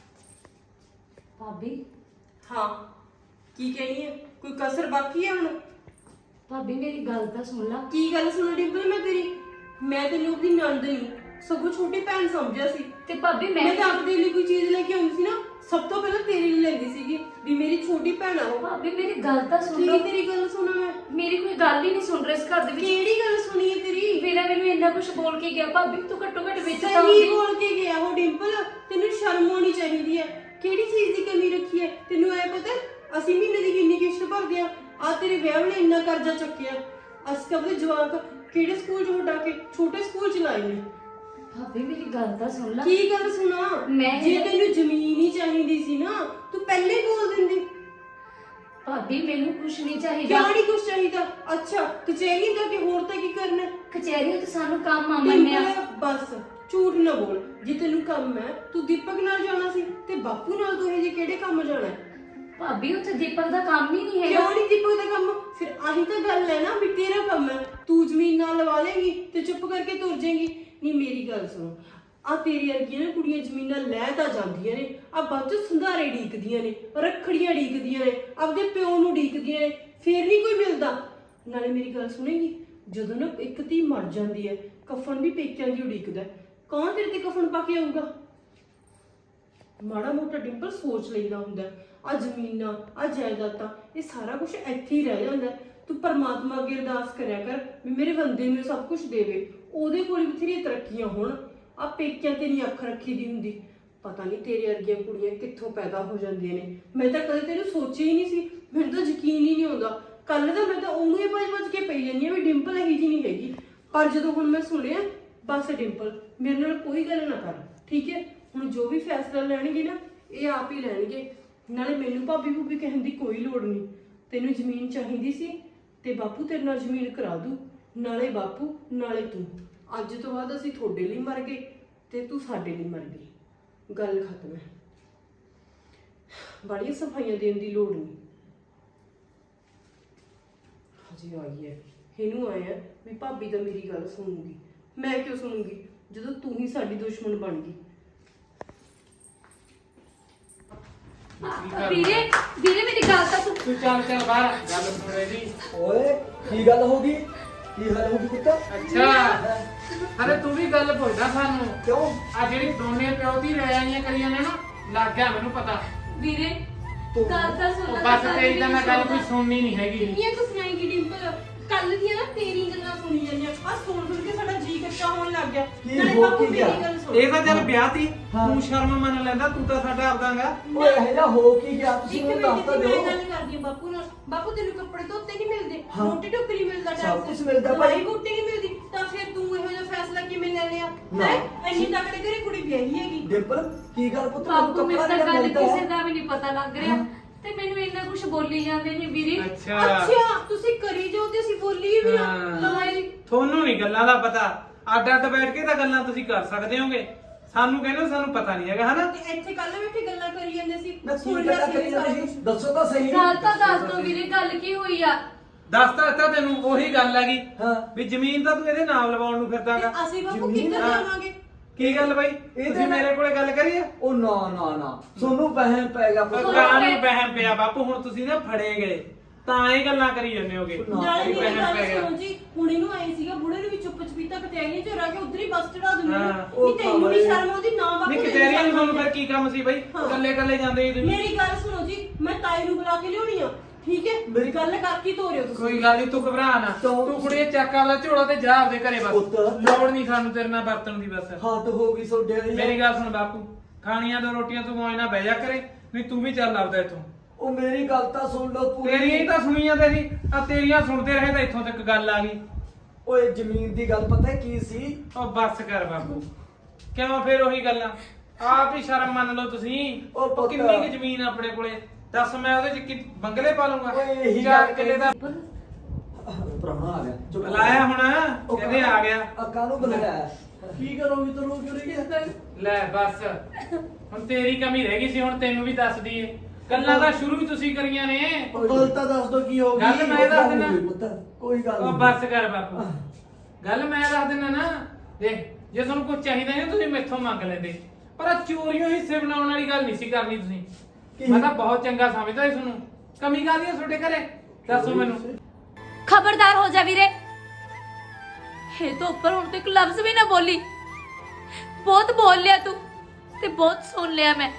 S3: ਭਾਬੀ
S2: ਹਾਂ ਕੀ ਕਹਿਣੀ ਹੈ? ਕੋਈ ਕਸਰ ਬਾਕੀ ਹੈ ਹੁਣ?
S3: ਭਾਬੀ ਮੇਰੀ ਗੱਲ ਤਾਂ ਸੁਣ ਲਾ।
S2: ਕੀ ਗੱਲ ਸੁਣ ਡਿੰਪਲ? ਮੈਂ ਤੈਨੂੰ ਆਪਣੀ ਨਣਦ ਨਹੀਂ ਸਗੋਂ ਛੋਟੀ ਭੈਣ ਸਮਝਿਆ ਸੀ।
S3: ਤੇ ਭਾਬੀ
S2: ਮੈਂ ਤਾਂ ਆਪਦੇ ਲਈ ਕੋਈ ਚੀਜ਼ ਲੈ ਕੇ ਆਉਂਦੀ ਸੀ ਨਾ, ਸਭ ਤੋਂ ਪਹਿਲਾਂ ਤੇਰੇ ਲਈ ਲੈਂਦੀ ਸੀਗੀ ਵੀ ਮੇਰੀ ਛੋਟੀ ਭੈਣ ਆ ਉਹ।
S3: ਭਾਬੀ ਮੇਰੀ ਗੱਲ ਤਾਂ ਸੁਣ
S2: ਕੀ
S3: ਲਓ।
S2: ਤੇਰੀ ਗੱਲ ਸੁਣਾ ਮੈਂ?
S3: ਮੇਰੀ ਕੋਈ ਗੱਲ ਹੀ ਨਹੀਂ ਸੁਣ ਰਿਹਾ ਇਸ ਘਰ ਦੇ ਵਿੱਚ।
S2: ਕਿਹੜੀ ਗੱਲ ਸੁਣੀ ਹੈ ਤੇਰੀ?
S3: ਵੀਰਾ ਮੈਨੂੰ ਇੰਨਾ ਕੁਝ ਬੋਲ ਕੇ ਗਿਆ। ਭਾਬੀ ਤੂੰ ਘੱਟੋ ਘੱਟ ਵਿੱਚ ਤਾਂ
S2: ਸਹੀ
S3: ਆਉਂਦੀ।
S2: ਬੋਲ ਕੇ ਗਿਆ ਉਹ ਡਿੰਪਲ। ਤੈਨੂੰ ਸ਼ਰਮ ਆਉਣੀ ਚਾਹੀਦੀ ਹੈ। ਕਿਹੜੀ ਚੀਜ਼ ਦੀ ਕਮੀ ਰੱਖੀ ਹੈ? ਤੈਨੂੰ ਐ ਪਤਾ ਅਸੀਂ ਮਹੀਨੇ ਦੀ ਕਿੰਨੀ ਕਿਸ਼ਤ ਭਰਦੇ ਆ ਤੇਰੇ ਵਿਆਹ ਨੇ ਇੰਨਾ ਕਰਜ਼ਾ ਚੱਕਿਆ। ਅਸੀਂ ਤਾਂ ਆਪਣੇ ਜਵਾਕ ਕਿਹੜੇ ਸਕੂਲ 'ਚ ਹਟਾ ਕੇ ਛੋਟੇ ਸਕੂਲ 'ਚ ਲਾਏ ਨੇ।
S3: ਭਾਬੀ ਮੇਰੀ ਗੱਲ ਤਾਂ ਸੁਣ ਲਾ।
S2: ਕੀ ਗੱਲ ਸੁਣਾ? ਜੇ ਤੈਨੂੰ ਜ਼ਮੀਨ ਹੀ ਚਾਹੀਦੀ ਸੀ ਨਾ ਤੂੰ ਪਹਿਲੇ ਹੀ ਬੋਲ ਦਿੰਦੀ।
S3: ਭਾਬੀ ਮੈਨੂੰ ਕੁਝ ਨਹੀਂ ਚਾਹੀਦਾ।
S2: ਕਿਉਂ ਨਹੀਂ ਕੁਝ ਚਾਹੀਦਾ? ਅੱਛਾ ਕਚਹਿਰੀ ਜਾ ਕੇ ਹੋਰ ਤਾਂ ਕੀ ਕਰਨਾ?
S3: ਕਚਹਿਰੀ ਤੇ ਸਾਨੂੰ ਕੰਮ ਆ ਮੰਨਿਆ।
S2: ਬਸ ਝੂਠ ਨਾ ਬੋਲ। ਜੇ ਤੈਨੂੰ ਕੰਮ ਹੈ ਤੂੰ ਦੀਪਕ ਨਾਲ ਜਾਣਾ ਸੀ ਤੇ ਬਾਪੂ ਨਾਲ ਤੂੰ ਇਹ ਜੇ ਕਿਹੜੇ ਕੰਮ ਜਾਣਾ?
S3: ਭਾਬੀ ਉੱਥੇ ਦੀਪਕ ਦਾ ਕੰਮ ਹੀ ਨਹੀਂ ਹੈਗਾ।
S2: ਕਿਉਂ ਨਹੀਂ ਦੀਪਕ ਦਾ ਕੰਮ? ਫਿਰ ਆਹੀ ਤਾਂ ਗੱਲ ਹੈ ਨਾ ਵੀ ਤੇਰਾ ਕੰਮ ਹੈ। ਤੂੰ ਜ਼ਮੀਨ ਨਾਲ ਲਵਾ ਲੇਗੀ ਤੇ ਚੁੱਪ ਕਰਕੇ ਤੁਰ ਜਾਏਗੀ। ਨਹੀਂ ਮੇਰੀ ਗੱਲ ਸੁਣ, ਆ ਤੇਰੀ ਵਰਗੀਆਂ ਨਾ ਕੁੜੀਆਂ ਜ਼ਮੀਨਾਂ ਲੈ ਤਾਂ ਜਾਂਦੀਆਂ ਨੇ, ਆ ਬਾਅਦ ਚ ਸੰਧਾਰੇ ਢੀਕਦੀਆਂ ਨੇ, ਰੱਖੜੀਆਂ ਢੀਕਦੀਆਂ ਨੇ, ਆਪਦੇ ਪਿਓ ਨੂੰ ਢੀਕਦੀਆਂ ਨੇ, ਫੇਰ ਨਹੀਂ ਕੋਈ ਮਿਲਦਾ। ਨਾਲੇ ਮੇਰੀ ਗੱਲ ਸੁਣੇਗੀ, ਜਦੋਂ ਨਾ ਇੱਕ ਧੀ ਮਰ ਜਾਂਦੀ ਹੈ ਕਫਨ ਵੀ ਪੇਕਿਆਂ ਦੀ ਉਡੀਕਦਾ। ਕੌਣ ਤੇਰੇ ਤੇ ਕਫਨ ਪਾ ਕੇ ਆਊਗਾ? ਮਾੜਾ ਮੋਟਾ ਡਿੰਪਲ ਸੋਚ ਲਈਦਾ ਹੁੰਦਾ। ਆ ਜ਼ਮੀਨਾਂ ਆ ਜਾਇਦਾਦਾਂ ਇਹ ਸਾਰਾ ਕੁਝ ਇੱਥੇ ਹੀ ਰਹਿ ਜਾਂਦਾ। ਤੂੰ ਪਰਮਾਤਮਾ ਅੱਗੇ ਅਰਦਾਸ ਕਰਿਆ ਕਰ ਵੀ ਮੇਰੇ ਬੰਦੇ ਨੂੰ ਸਭ ਕੁਝ ਦੇਵੇ, ਉਹਦੇ ਕੋਲ ਬਥੇਰੀਆਂ ਤਰੱਕੀਆਂ ਹੋਣ। ਆ ਪੇਕਿਆਂ ਤੇ ਨਹੀਂ ਅੱਖ ਰੱਖੀ ਦੀ ਹੁੰਦੀ। ਪਤਾ ਨਹੀਂ ਤੇਰੇ ਵਰਗੀਆਂ ਕੁੜੀਆਂ ਕਿੱਥੋਂ ਪੈਦਾ ਹੋ ਜਾਂਦੀਆਂ ਨੇ। ਮੈਂ ਤਾਂ ਕਦੇ ਤੈਨੂੰ ਸੋਚਿਆ ਹੀ ਨਹੀਂ ਸੀ। ਮੈਨੂੰ ਤਾਂ ਯਕੀਨ ਹੀ ਨਹੀਂ ਆਉਂਦਾ। ਕੱਲ ਦਾ ਮੈਂ ਤਾਂ ਉਹਨੂੰ ਹੀ ਭੱਜ ਕੇ ਪਈ ਜਾਂਦੀ ਆ ਵੀ ਡਿੰਪਲ ਇਹੀ ਜੀ ਨਹੀਂ ਹੈਗੀ। ਪਰ ਜਦੋਂ ਹੁਣ ਮੈਂ ਸੁਣਿਆ, ਬਸ ਡਿੰਪਲ ਮੇਰੇ ਨਾਲ ਕੋਈ ਗੱਲ ਨਾ ਕਰ, ਠੀਕ ਹੈ? ਹੁਣ ਜੋ ਵੀ ਫੈਸਲਾ ਲੈਣਗੇ ਨਾ ਇਹ ਆਪ ਹੀ ਲੈਣਗੇ। ਨਾਲੇ ਮੈਨੂੰ ਭਾਬੀ ਭੂਬੀ ਕਹਿਣ ਦੀ ਕੋਈ ਲੋੜ ਨਹੀਂ। ਤੈਨੂੰ ਜ਼ਮੀਨ ਚਾਹੀਦੀ ਸੀ ਤੇ ਬਾਪੂ ਤੇਰੇ ਨਾਲ ਜ਼ਮੀਨ ਕਰਾ ਦੂ। ਨਾਲੇ ਬਾਪੂ ਨਾਲੇ ਤੂੰ। ਅੱਜ ਤੋਂ ਬਾਅਦ ਅਸੀਂ ਤੁਹਾਡੇ ਲਈ ਮਰ ਗਏ ਤੇ ਤੂੰ ਸਾਡੇ ਲਈ ਮਰ ਗਈ। ਗੱਲ ਖਤਮ ਹੈ। ਬੜੀਆਂ ਸਫਾਈਆਂ ਦੇਣ ਦੀ ਲੋੜ ਨਹੀਂ। ਹਜੇ ਆਈ ਹੈ, ਇਹਨੂੰ ਆਇਆ ਵੀ ਭਾਬੀ ਤਾਂ ਮੇਰੀ ਗੱਲ ਸੁਣੂਗੀ। ਮੈਂ ਕਿਉਂ ਸੁਣੂਗੀ ਜਦੋਂ ਤੂੰ ਹੀ ਸਾਡੀ ਦੁਸ਼ਮਣ ਬਣ ਗਈ।
S3: ਵੀਰੇ ਵੀਰੇ ਮੇਰੀ ਗੱਲ ਤਾਂ ਸੁਣ।
S1: ਤੂੰ ਚੱਲ ਬਾਹਰ, ਗੱਲ ਸੁਣ ਰਹੀ।
S4: ਓਏ ਕੀ ਗੱਲ ਹੋ ਗਈ? ਕੀ ਹੱਲ ਹੋ ਗਈ ਪੁੱਤ?
S1: ਅੱਛਾ ਅਰੇ ਤੂੰ ਵੀ ਗੱਲ ਪੁੱਛਦਾ ਸਾਨੂੰ
S4: ਕਿਉਂ?
S1: ਆ ਜਿਹੜੀ ਦੋਨੇ ਪਿਓ ਦੀ ਰਹਿ ਆਈਆਂ ਕਰੀਆਂ ਨੇ ਨਾ, ਲੱਗ ਗਿਆ ਮੈਨੂੰ ਪਤਾ।
S3: ਵੀਰੇ ਗੱਲ ਤਾਂ ਸੁਣ
S1: ਉਹ
S3: ਲੈ।
S1: ਬਸ ਤੇਰੀ ਤਾਂ ਮੈਂ ਗੱਲ ਕੋਈ ਸੁਣਨੀ ਨਹੀਂ ਹੈਗੀ।
S2: ਕਿੰਨੀਆਂ ਕੁ ਸੁਣਾਏਗੀ ਡਿੰਪਲ? ਕੱਲ ਦੀਆਂ ਨਾ ਤੇਰੀ ਗੱਲਾਂ ਸੁਣੀ ਜਾਂਦੀਆਂ ਆ ਸੁਣ ਕੇ ਸਾਡਾ ਜੀ ਕੱਚਾ ਹੋਣ ਲੱਗ ਗਿਆ
S4: ਕੀ
S2: ਨਾਲੇ
S4: ਹੋ
S2: ਬਾਪੂ
S4: ਕੀ
S2: ਮੇਰੀ
S4: ਗਿਆ?
S2: ਗੱਲ ਸੁਣ
S1: ਇਹ ਤਾਂ ਚੱਲ ਵਿਆਹ ਤੀ
S4: ਹਾਂ।
S1: ਤੂੰ ਸ਼ਰਮ ਮੰਨ ਲੈਂਦਾ, ਤੂੰ ਤਾਂ ਸਾਡਾ ਆਪਦਾਗਾ।
S4: ਓਏ ਇਹ ਜਿਹਾ ਹੋ ਕੀ ਗਿਆ ਤੁਸੀਂ
S2: ਇੱਕ
S4: ਮੈਨੂੰ
S2: ਮਿੰਟ
S4: ਦੱਸ ਤਾਂ
S2: ਦੀ ਮੈਂ
S4: ਦਿਓ।
S2: ਗੱਲ ਕਰਦੀ ਹਾਂ ਬਾਪੂ ਨਾਲ। ਬਾਪੂ ਤੈਨੂੰ ਕੱਪੜੇ ਧੋਤੇ ਨਹੀਂ ਮਿਲਦੇ,
S4: ਹਾਂ।
S2: ਰੋਟੀ ਟੁੱਕ ਨਹੀਂ ਮਿਲਦਾ
S4: ਸਭ
S2: ਟਾਈਮ
S4: ਕੁਛ ਮਿਲਦਾ ਭਾਈ।
S2: ਬੂਟੀ ਨਹੀਂ ਮਿਲਦੀ ਤਾਂ ਫਿਰ ਤੂੰ ਇਹੋ ਜਿਹਾ ਫੈਸਲਾ ਕਿਵੇਂ ਲੈ ਲਿਆ
S4: ਨਾ।
S2: ਹੈ ਇੰਨੀ ਤਕੜੇ ਘਰੇ ਕੁੜੀ ਵਿਆਹੀ ਹੈਗੀ।
S4: ਡਿੰਪਲ ਕੀ ਗੱਲ ਪੁੱਤ
S5: ਬਾਪੂ ਮੈਨੂੰ ਤਾਂ ਗੱਲ
S4: ਮਿਲਦਾ
S5: ਕਿਸੇ
S4: ਹੈ?
S5: ਦਾ ਵੀ ਨਹੀਂ ਪਤਾ ਲੱਗ ਰਿਹਾ
S4: ਹਾਂ।
S5: ਤੇ ਮੈਨੂੰ ਇੰਨਾ ਕੁਝ ਬੋਲੀ ਜਾਂਦੇ ਨੇ ਵੀਰੇ।
S2: ਅੱਛਾ ਤੁਸੀਂ ਕਰੀ ਜੋ ਤੇ ਅਸੀਂ ਬੋਲੀ ਵੀ ਆ
S1: ਹਾਂ।
S2: ਲਵਾਈ
S1: ਤੁਹਾਨੂੰ ਨਹੀਂ ਗੱਲਾਂ ਦਾ ਪਤਾ, ਅੱਡ ਅੱਡ ਬੈਠ ਕੇ ਤਾਂ ਗੱਲਾਂ ਤੁਸੀਂ ਕਰ ਸਕਦੇ ਹੋਗੇ, ਸਾਨੂੰ ਕਹਿੰਦੇ ਹੋ ਸਾਨੂੰ ਪਤਾ ਨਹੀਂ ਹੈਗਾ, ਹਨਾ?
S2: ਤੇ ਇੱਥੇ ਕੱਲ ਬੈਠੇ ਗੱਲਾਂ ਕਰੀ ਜਾਂਦੇ ਸੀ
S4: ਮੈਂ
S2: ਸੁਣ
S4: ਕੀ
S2: ਲਿਆ
S4: ਗੱਲਾਂ
S2: ਸੀ
S4: ਕਰੀ
S2: ਸਾਰਾ
S4: ਜਾਂਦੀ
S2: ਕੁਛ।
S4: ਸੀ? ਦੱਸੋ ਤਾਂ ਸਹੀ।
S5: ਗੱਲ ਤਾਂ ਦੱਸ ਦੋ ਵੀਰੇ, ਗੱਲ ਕੀ ਹੋਈ ਆ?
S1: ਦੱਸਤਾ ਦਿੱਤਾ ਤੈਨੂੰ, ਉਹੀ ਗੱਲ ਹੈਗੀ
S4: ਹਾਂ।
S1: ਵੀ ਜ਼ਮੀਨ ਤਾਂ ਤੂੰ ਇਹਦੇ ਨਾਮ ਲਵਾਉਣ ਨੂੰ ਫਿਰਦਾਗਾ।
S2: ਤੇ ਅਸੀਂ ਬਾਪੂ
S4: ਜ਼ਮੀਨ
S2: ਕਿੱਧਰ
S1: ਹਾਂ।
S2: ਜਾਵਾਂਗੇ?
S1: ਕੀ ਗੱਲ ਬਾਈ,
S4: ਇਹਦੇ
S1: ਤੁਸੀਂ
S4: ਨਾਲ-
S1: ਮੇਰੇ ਕੋਲੇ ਗੱਲ ਕਰੀ ਆ?
S4: ਉਹ ਨਾ ਨਾ ਨਾ ਤੁਹਾਨੂੰ ਪਹਿਨ ਪੈ ਗਿਆ ਪੁੱਤ।
S1: ਕਾਂ ਨੂੰ ਵਹਿਮ ਪਿਆ ਬਾਪੂ, ਹੁਣ ਤੁਸੀਂ ਨਾ ਫੜੇ ਗਏ ਤਾਂ ਇਹ ਗੱਲਾਂ ਕਰੀ ਜਾਂਦੇ ਹੋਗੇ।
S4: ਨਾ,
S2: ਨਾਲੇ
S1: ਵੀ
S2: ਮੇਰੀ
S1: ਵਹਿਮ
S2: ਗੱਲ
S1: ਪੈ ਗਿਆ।
S2: ਸੁਣੋ ਜੀ, ਹੁਣ ਇਹਨੂੰ ਆਏ ਸੀਗਾ ਬੁੜੇ ਨੂੰ ਵੀ ਚੁੱਪ ਚਪੀਤਾ ਕਤਿਆਈਆਂ ਚ ਰਹਿ ਕੇ ਉਧਰ ਹੀ ਬੱਸ ਚੜਾ ਦਿੰਦੇ
S1: ਹਾਂ।
S2: ਨੇ
S4: ਉਹ
S2: ਨਹੀਂ ਤੈਨੂੰ ਵੀ
S4: ਤਾਂ
S2: ਸ਼ਰਮ ਆਉਂਦੀ ਨਾ ਬਾਪੂ
S1: ਨਹੀਂ
S2: ਤੈਨੂੰ
S1: ਕਚਹਿਰੀਆਂ ਨੂੰ
S2: ਸ਼ਰਮ
S1: ਤੁਹਾਨੂੰ ਫਿਰ
S2: ਆਉਂਦੀ।
S1: ਕੀ ਕੰਮ ਸੀ ਬਾਈ,
S2: ਹਾਂ।
S1: ਕੱਲੇ ਕੱਲੇ ਜਾਂਦੇ ਸੀ ਤੁਸੀਂ।
S2: ਮੇਰੀ ਗੱਲ ਸੁਣੋ ਜੀ, ਮੈਂ ਤਾਈ ਨੂੰ ਬੁਲਾ ਕੇ ਲਿਆਉਣੀ ਆ, ਠੀਕ ਹੈ
S4: ਮੇਰੀ-
S2: ਗੱਲ ਕਰਕੇ ਤੋਰਿਓ ਤੁਸੀਂ।
S1: ਕੋਈ ਗੱਲ ਨਹੀਂ, ਤੂੰ ਘਬਰਾ ਨਾ,
S4: ਕਿਉਂ?
S1: ਤੂੰ ਕੁੜੀਏ ਚੱਕ ਆਪਦਾ ਝੋਲਾ ਤੇ ਜਾ ਆਪਦੇ ਘਰੇ ਬਸ,
S4: ਪੁੱਤ।
S1: ਲੋੜ ਨਹੀਂ ਸਾਨੂੰ ਤੇਰੇ ਨਾਲ ਵਰਤਣ ਦੀ ਬਸ।
S4: ਹੱਦ ਹੋ ਗਈ ਸੋਡੇ ਵਾਲੀ।
S1: ਮੇਰੀ ਗੱਲ ਸੁਣ ਬਾਪੂ, ਖਾਣੀਆਂ ਦੋ ਰੋਟੀਆਂ ਤੂੰ ਮੌਜ ਨਾਲ ਬਹਿ ਜਾ ਕਰੇ, ਨਹੀਂ ਤੂੰ ਵੀ ਚੱਲ ਆਪਦਾ ਇੱਥੋਂ।
S4: ਉਹ ਮੇਰੀ ਗੱਲ ਤਾਂ ਸੁਣ ਲਓ ਪੂਰੀ।
S1: ਤੇਰੀਆਂ ਹੀ ਤਾਂ ਸੁਣੀਆਂ ਤੇਰੀ ਆ, ਤੇਰੀਆਂ ਸੁਣਦੇ ਰਹੇ ਤਾਂ ਇੱਥੋਂ ਤੱਕ ਗੱਲ ਆ ਗਈ।
S4: ਓਏ ਜ਼ਮੀਨ ਦੀ ਗੱਲ ਪਤਾ ਕੀ ਸੀ?
S1: ਉਹ ਬੱਸ ਕਰ ਬਾਪੂ, ਕਿਉਂ ਫਿਰ ਉਹੀ ਗੱਲਾਂ? ਆਪ ਹੀ ਸ਼ਰਮ ਮੰਨ ਲਓ ਤੁਸੀਂ।
S4: ਉਹ
S1: ਉਹ
S4: ਪੁੱਤ।
S1: ਕਿੰਨੀ ਕੁ ਜ਼ਮੀਨ ਆ ਆਪਣੇ ਕੋਲੇ, ਦੱਸ ਮੈਂ ਉਹਦੇ ਚ ਕੀ ਬੰਗਲੇ ਪਾ ਲੂੰਗਾ?
S4: ਓਏ ਇਹੀ
S1: 4
S4: ਗੱਲ
S1: ਕਿੱਲੇ ਦਾ
S4: ਪ੍ਰਾਹੁਣਾ ਆ ਗਿਆ। ਚੁੱਪ ਕਰ।
S1: ਬੁਲਾਇਆ ਹੁਣ, ਕਹਿੰਦੇ ਆ ਗਿਆ।
S4: ਅੱਕਾ ਨੂੰ ਬੁਲਾਇਆ।
S6: ਕੀ ਕਰੋਗੇ ਤੈਨੂੰ ਕਿਉਂ ਰਹੀ ਹੈ?
S1: ਲੈ ਬਸ, ਹੁਣ ਤੇਰੀ ਕਮੀ ਰਹਿ ਗਈ ਸੀ, ਹੁਣ ਤੈਨੂੰ ਵੀ ਦੱਸ ਦਈਏ। ਗੱਲਾਂ ਤਾਂ ਸ਼ੁਰੂ ਹੀ ਤੁਸੀਂ ਕਰੀਆਂ ਨੇ।
S6: ਗੱਲ ਤਾਂ ਦੱਸ ਦੋ ਕੀ ਹੋ
S1: ਗੱਲ
S6: ਗਈ?
S1: ਮੈਂ ਦੱਸ ਦਿੰਦਾ।
S4: ਕੋਈ ਗੱਲ
S1: ਉਹ
S4: ਨਹੀਂ।
S1: ਬੱਸ ਕਰ ਬਾਪੂ, ਗੱਲ ਮੈਂ ਦੱਸ ਦਿੰਦਾ ਨਾ। ਦੇਖ, ਜੇ ਤੁਹਾਨੂੰ ਕੁਝ ਚਾਹੀਦਾ ਹੈ ਤੁਸੀਂ ਮੈਥੋਂ ਮੰਗ ਲੈਂਦੇ, ਪਰ ਆਹ ਚੋਰੀਆਂ ਹਿੱਸੇ ਬਣਾਉਣ ਵਾਲੀ ਗੱਲ ਨਹੀਂ ਸੀ ਕਰਨੀ ਤੁਸੀਂ।
S4: ਕੀ?
S1: ਮੈਂ ਤਾਂ ਬਹੁਤ ਚੰਗਾ ਸਮਝਦਾ ਸੀ ਤੁਹਾਨੂੰ। ਕਮੀ ਕਾਹਦੀ ਹੈ ਤੁਹਾਡੇ ਘਰੇ, ਦੱਸੋ ਮੈਨੂੰ।
S5: ਖਬਰਦਾਰ ਹੋ ਜਾ ਵੀਰੇ, ਇਹ ਤੋਂ ਉੱਪਰ ਹੁਣ ਤੱਕ ਲਫ਼ਜ਼ ਵੀ ਨਾ ਬੋਲੀ। ਬਹੁਤ ਬੋਲ ਲਿਆ ਤੂੰ ਤੇ ਬਹੁਤ ਸੁਣ ਲਿਆ ਮੈਂ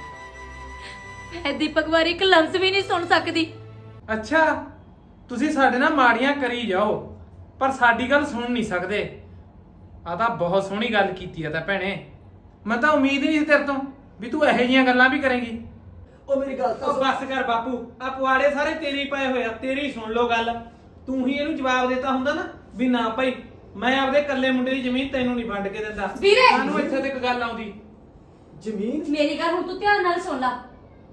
S5: ਦੀਪਕ ਬਾਰੇ ਇੱਕ ਲਫ਼ਜ਼ ਵੀ ਨਹੀਂ ਸੁਣ ਸਕਦੀ।
S1: ਅੱਛਾ, ਤੁਸੀਂ ਸਾਡੇ ਨਾਲ ਮਾੜੀਆਂ ਕਰੀ ਜਾਓ ਪਰ ਸਾਡੀ ਗੱਲ ਸੁਣ ਨਹੀਂ ਸਕਦੇ। ਆ ਤਾਂ ਬਹੁਤ ਸੋਹਣੀ ਗੱਲ ਕੀਤੀ ਆ ਤਾਂ ਭੈਣੇ, ਮੈਂ ਤਾਂ ਉਮੀਦ ਨਹੀਂ ਸੀ ਤੇਰੇ ਤੋਂ ਵੀ ਤੂੰ ਇਹੋ ਜਿਹੀਆਂ ਗੱਲਾਂ ਵੀ ਕਰੇਂਗੀ।
S4: ਉਹ ਮੇਰੀ ਗੱਲ ਤਾਂ
S1: ਉਹ ਬੱਸ ਕਰ ਬਾਪੂ, ਆ ਪੁਆੜੇ ਸਾਰੇ ਤੇਰੀ ਪਏ ਹੋਏ ਆ, ਤੇਰੀ ਸੁਣ ਲਓ ਗੱਲ। ਤੂੰ ਹੀ ਇਹਨੂੰ ਜਵਾਬ ਦਿੱਤਾ ਹੁੰਦਾ ਨਾ ਵੀ ਨਾ ਭਾਈ ਮੈਂ ਆਪਦੇ ਇਕੱਲੇ ਮੁੰਡੇ ਦੀ ਜ਼ਮੀਨ ਤੈਨੂੰ ਨਹੀਂ ਵੰਡ ਕੇ ਦਿੰਦਾ।
S5: ਵੀਰੇ!
S1: ਸਾਨੂੰ ਇੱਥੇ ਤੱਕ ਗੱਲ ਆਉਂਦੀ।
S4: ਜ਼ਮੀਨ
S5: ਮੇਰੀ ਗੱਲ ਹੁਣ ਤੂੰ ਧਿਆਨ ਨਾਲ ਸੁਣ ਲੈ।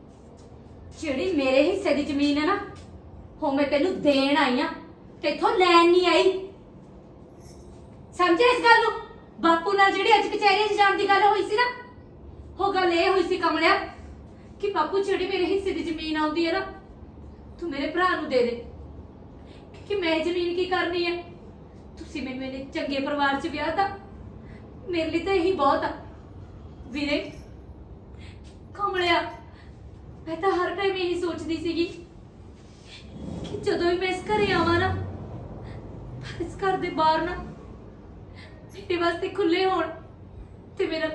S5: ਜਿਹੜੀ ਮੇਰੇ ਹਿੱਸੇ ਦੀ ਜ਼ਮੀਨ ਹੈ ਨਾ, ਉਹ ਮੈਂ ਤੈਨੂੰ ਦੇਣ ਆਈ ਆ, ਤੇਥੋਂ ਲੈਣ ਨਹੀਂ ਆਈ। ਸਮਝਿਆ ਇਸ ਗੱਲ ਨੂੰ? ਬਾਪੂ ਨਾਲ ਜਿਹੜੀ ਅੱਜ ਕਚਹਿਰੀ 'ਚ ਜਾਣ ਦੀ ਗੱਲ ਹੋਈ ਸੀ ਨਾ, ਉਹ ਗੱਲ ਇਹ ਹੋਈ ਸੀ ਕਮਲਿਆ ਕਿ ਬਾਪੂ ਜਿਹੜੀ ਮੇਰੇ ਹਿੱਸੇ ਦੀ ਜ਼ਮੀਨ ਆਉਂਦੀ ਹੈ ਨਾ, ਤੂੰ ਮੇਰੇ ਭਰਾ ਨੂੰ ਦੇ ਦੇ, ਕਿ ਮੈਂ ਜ਼ਮੀਨ ਕੀ ਕਰਨੀ ਹੈ? ਤੁਸੀਂ ਮੈਨੂੰ ਇਹਨੇ ਚੰਗੇ ਪਰਿਵਾਰ 'ਚ ਵਿਆਹ ਤਾ, ਮੇਰੇ ਲਈ ਤਾਂ ਇਹੀ ਬਹੁਤ ਆ। ਵੀਰੇ ਕਮਲਿਆ, ਮੈਂ ਤਾਂ ਹਰ ਟਾਈਮ ਇਹੀ ਸੋਚਦੀ ਸੀਗੀ ਕਿ ਜਦੋਂ ਵੀ ਮੈਂ ਇਸ ਘਰੇ ਆਵਾਂ ਨਾ, ਤਾਂ ਇਸ ਘਰ ਦੇ ਬਾਹਰ ਨਾ ਮੇਰੇ ਵਾਸਤੇ ਖੁੱਲੇ ਹੋਣ ਤੇ ਮੇਰਾ